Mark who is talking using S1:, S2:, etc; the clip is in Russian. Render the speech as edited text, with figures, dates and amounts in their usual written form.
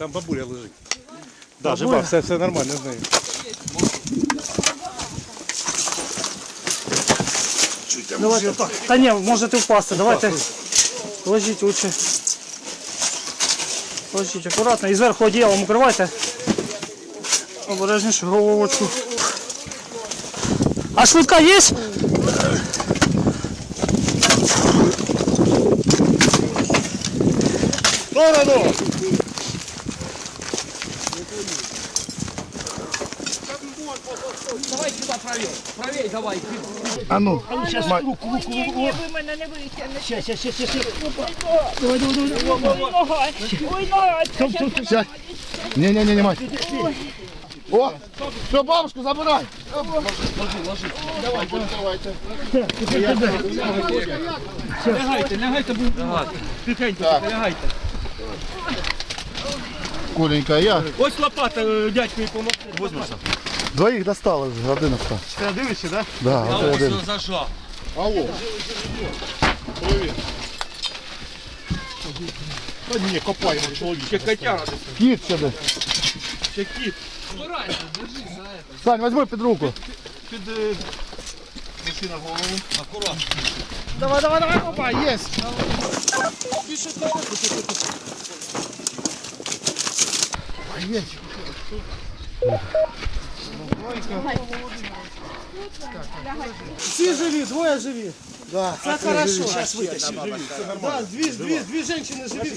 S1: там бабуля лежить. Да, жива, все нормально з нею.
S2: Давайте так. Та ні, можете впасти, давайте. Ложіть лучше. Ложіть акуратно. І зверху одіялом укривайте. Обережніше головочку. А швидка є?
S1: Сторону!
S3: Давай сюда правее. Правее давай.
S1: А ну,
S2: Зараз руку.
S4: Ні, ви мене не витягнете.
S2: Щас.
S4: Ой, нога.
S1: сядь. Не, мать. О, все, бабушку забирай. Ложи. Давайте.
S3: Лягайте, тихенько, лягайте.
S1: Коленька, я.
S3: Ось лопата, дядьку і помогти.
S1: Двоих достал из Гордыновка.
S3: Ти дивишся, так?
S1: Да, вот один.
S3: Зажав.
S1: Алло. Привет. Да не, копай, человек.
S3: Ще котяра.
S1: Кит сюда.
S3: Ще кіт. Аккуратно, держи за это.
S1: Сань, возьми под руку.
S3: Під машина голову. Аккуратно.
S2: Давай, опа, є. Всі живі, двоє живі.
S1: Да.
S2: Це хорошо. Зараз витащимо. Да, дві жінки живі.